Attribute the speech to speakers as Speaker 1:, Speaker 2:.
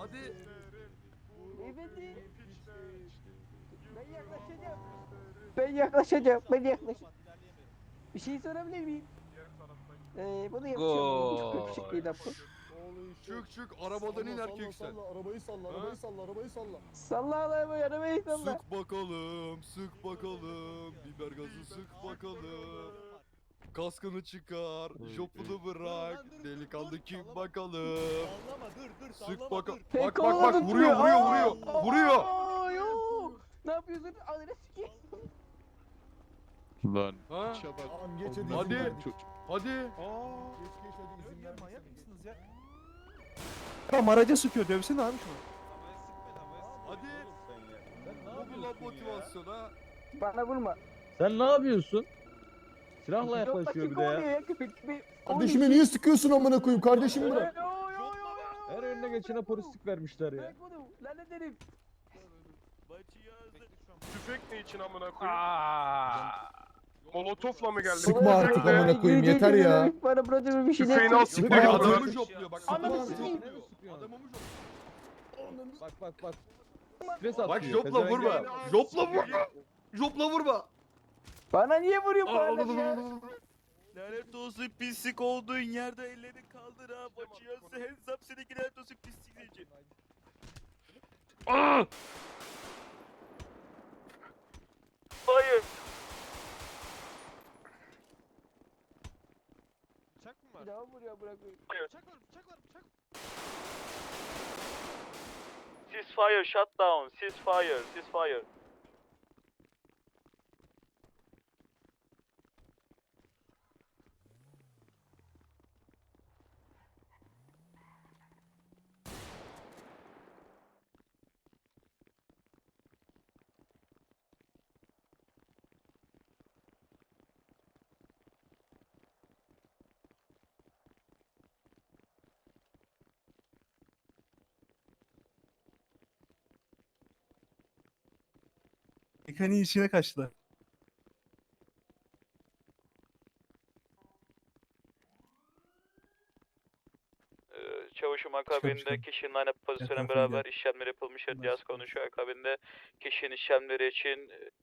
Speaker 1: Hadi.
Speaker 2: Beyefendi. Ben yaklaşacağım. Ben yaklaşacağım. Bir şey sorabilir miyim? Bunu yapışamıyorum. Çok yakışıklıydı ama.
Speaker 1: Çık arabadan in erkek sen.
Speaker 3: Arabayı salla,
Speaker 1: Ha?
Speaker 3: arabayı salla.
Speaker 2: Salla arabayı salla.
Speaker 1: Sık bakalım. Biber gazı sık bakalım. Kaskını çıkar, jopunu bırak. Delikanlı kim bakalım.
Speaker 3: Sallama, dur,
Speaker 1: Sık bakalım.
Speaker 2: Pek
Speaker 1: Bak
Speaker 2: olmadı
Speaker 1: vuruyor. Vuruyor.
Speaker 2: Yok. Ne yapıyorsun? Alırı sikeyim.
Speaker 4: Lan.
Speaker 1: Ha?
Speaker 3: Tamam geç hadi.
Speaker 1: Hadi.
Speaker 3: izin verdik.
Speaker 1: Hadi.
Speaker 3: Geç hadi izin verdik.
Speaker 5: Manyak mısınız ya? Tamam araca sıkıyor dövsene abi şunu.
Speaker 1: Hadi. Bu lan motivasyon ha.
Speaker 2: Bana vurma.
Speaker 6: Sen ne yapıyorsun? Silahla
Speaker 2: Yok,
Speaker 6: yaklaşıyor bir de
Speaker 2: kovalıyor
Speaker 6: ya.
Speaker 2: köpek gibi.
Speaker 3: Kardeşime niye sıkıyorsun amına koyayım? Kardeşimi bırak.
Speaker 6: Her önüne geçene polislik vermişler ya.
Speaker 2: Bırak onu. Lan ederim.
Speaker 7: Tüfek ne için amına koyayım? Molotofla mı geldin?
Speaker 3: Sıkma artık amına koyayım, yeter ya.
Speaker 2: Bana burada bir şey
Speaker 7: Tüfeğini al sık
Speaker 1: Bak
Speaker 7: bakalım.
Speaker 1: adamı jopluyor bak.
Speaker 2: Ananı
Speaker 1: Adamı
Speaker 2: sikeyim.
Speaker 1: jopluyor. Adamı jopluyor.
Speaker 6: Bak. Stres atıyor.
Speaker 1: Bak jopla vurma. Jopla vurma.
Speaker 2: Bana niye vuruyor bu adam ya?
Speaker 8: Lanet olsun pislik olduğun yerde ellerini kaldır ha. Bacıyası hesap seninki lanet olsun pislik diyecek. Hayır.
Speaker 5: Bıçak mı var?
Speaker 2: Bir daha vuruyor bırakıyor.
Speaker 5: Bıçak var.
Speaker 8: Ceasefire, shut down. Ceasefire.
Speaker 5: Mekaniğin içine kaçtılar.
Speaker 8: Çavuşum
Speaker 5: Çıkar.
Speaker 8: akabinde kişinin aynı pozisyonla
Speaker 5: Etrafını
Speaker 8: beraber işlemler yapılmış. Yaz konuşuyor akabinde kişinin işlemleri için